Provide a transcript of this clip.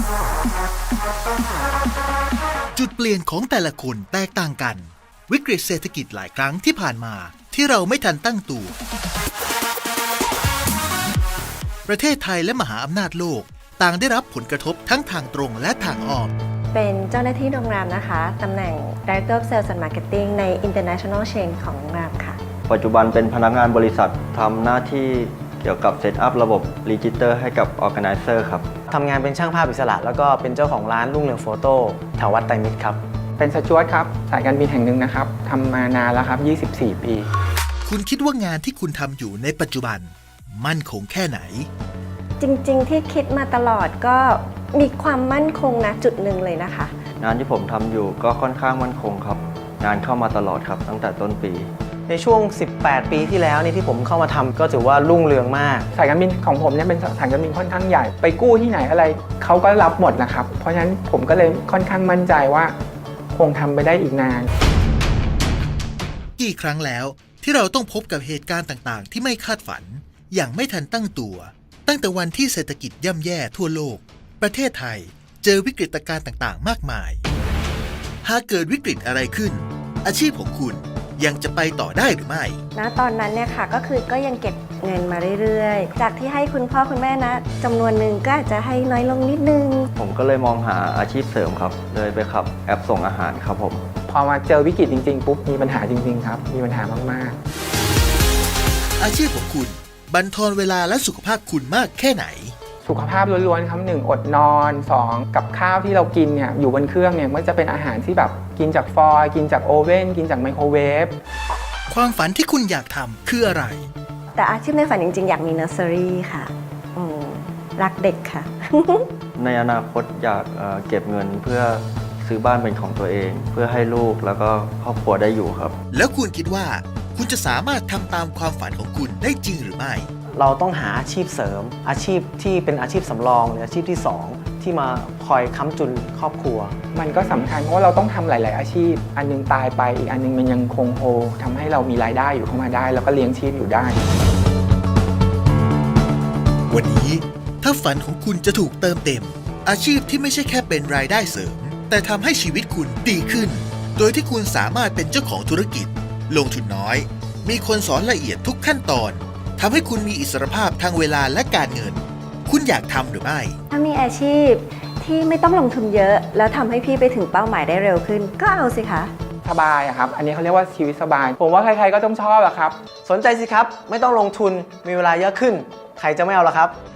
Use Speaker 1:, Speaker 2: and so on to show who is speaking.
Speaker 1: จุดเปลี่ยนของแต่ละคนแตกต่างกันวิกฤตเศรษฐกิจหลายครั้งที่ผ่านมาที่เราไม่ทันตั้งตัวประเทศไทยและมหาอำนาจโลกต่างได้รับผลกระทบทั้งทางตรงและทางอ้อม
Speaker 2: เป็นเจ้าหน้าที่โรงแรมนะคะตำแหน่ง Director of Sales and Marketing ใน International Chain ของโรงแรมค่ะ
Speaker 3: ปัจจุบันเป็นพนักงานบริษัททำหน้าที่เกี่ยวกับเซตอัพระบบรีจิสเตอร์ให้กับ Organizer ครับ
Speaker 4: ทำงานเป็นช่างภาพอิสระแล้วก็เป็นเจ้าของร้านรุ่งเรืองโฟโต้แถววัดไตรมิตรครับ
Speaker 5: เป็นสจวตครับสายการบินแห่งหนึ่งนะครับทำมานานแล้วครับ24 ปี
Speaker 1: คุณคิดว่างานที่คุณทำอยู่ในปัจจุบันมั่นคงแค่ไหน
Speaker 2: จริงๆที่คิดมาตลอดก็มีความมั่นคงนะจุดหนึ่งเลยนะคะ
Speaker 3: งานที่ผมทำอยู่ก็ค่อนข้างมั่นคงครับงานเข้ามาตลอดครับตั้งแต่ต้นปี
Speaker 4: ในช่วง18 ปีที่แล้วนี่ที่ผมเข้ามาทำก็ถือว่ารุ่งเรืองมาก
Speaker 5: สายการบินของผมเนี่ยเป็นสายการบินค่อนข้างใหญ่ไปกู้ที่ไหนอะไรเขาก็รับหมดนะครับเพราะฉะนั้นผมก็เลยค่อนข้างมั่นใจว่าคงทำไปได้อีกนาน
Speaker 1: กี่ครั้งแล้วที่เราต้องพบกับเหตุการณ์ต่างๆที่ไม่คาดฝันอย่างไม่ทันตั้งตัวตั้งแต่วันที่เศรษฐกิจย่ำแย่ทั่วโลกประเทศไทยเจอวิกฤตการณ์ต่างๆมากมายหากเกิดวิกฤตอะไรขึ้นอาชีพของคุณยังจะไปต่อได้หรือไม่
Speaker 2: ณตอนนั้นเนี่ยค่ะก็ยังเก็บเงินมาเรื่อยๆจากที่ให้คุณพ่อคุณแม่นะจำนวนหนึ่งก็อาจจะให้น้อยลงนิดนึง
Speaker 3: ผมก็เลยมองหาอาชีพเสริมครับเลยไปขับแอปส่งอาหารครับผม
Speaker 5: พอมาเจอวิกฤตจริงๆปุ๊บมีปัญหาจริงๆครับมีปัญหามาก
Speaker 1: ๆอาชีพของคุณบั่นทอนเวลาและสุขภาพคุณมากแค่ไหน
Speaker 5: สุขภาพล้วนๆครับ1อดนอน2กับข้าวที่เรากินเนี่ยอยู่บนเครื่องเนี่ยมันจะเป็นอาหารที่แบบกินจากฟอยล์กินจากโอเว่นกินจากไมโครเวฟ
Speaker 1: ความฝันที่คุณอยากทำคืออะไร
Speaker 2: แต่อาชีพในฝันจริงๆอยากมีเนอร์เซอรี่ค่ะรักเด็กค่ะ
Speaker 3: ในอนาคตอยากเก็บเงินเพื่อซื้อบ้านเป็นของตัวเองเพื่อให้ลูกแล้วก็ครอบครัวได้อยู่ครับ
Speaker 1: แล้วคุณคิดว่าคุณจะสามารถทำตามความฝันของคุณได้จริงหรือไม่
Speaker 4: เราต้องหาอาชีพเสริมอาชีพที่เป็นอาชีพสำรองหรืออาชีพที่2ที่มาคอยค้ำจุนครอบครัว
Speaker 5: มันก็สำคัญเพราะว่าเราต้องทำหลายๆอาชีพอันนึงตายไปอีกอันนึงมันยังคงโฮทำให้เรามีรายได้อยู่เข้ามาได้แล้วก็เลี้ยงชีพอยู่ได้
Speaker 1: วันนี้ถ้าฝันของคุณจะถูกเติมเต็มอาชีพที่ไม่ใช่แค่เป็นรายได้เสริมแต่ทำให้ชีวิตคุณดีขึ้นโดยที่คุณสามารถเป็นเจ้าของธุรกิจลงทุนน้อยมีคนสอนละเอียดทุกขั้นตอนทำให้คุณมีอิสรภาพทางเวลาและการเงินคุณอยากทำหรือไม่
Speaker 2: ถ้ามีอาชีพที่ไม่ต้องลงทุนเยอะแล้วทำให้พี่ไปถึงเป้าหมายได้เร็วขึ้นก็เอาสิคะ
Speaker 5: สบายครับอันนี้เขาเรียกว่าชีวิตสบายผมว่าใครๆก็ต้องชอบอะครับ
Speaker 4: สนใจสิครับไม่ต้องลงทุนมีเวลาเยอะขึ้นใครจะไม่เอาล่ะครับ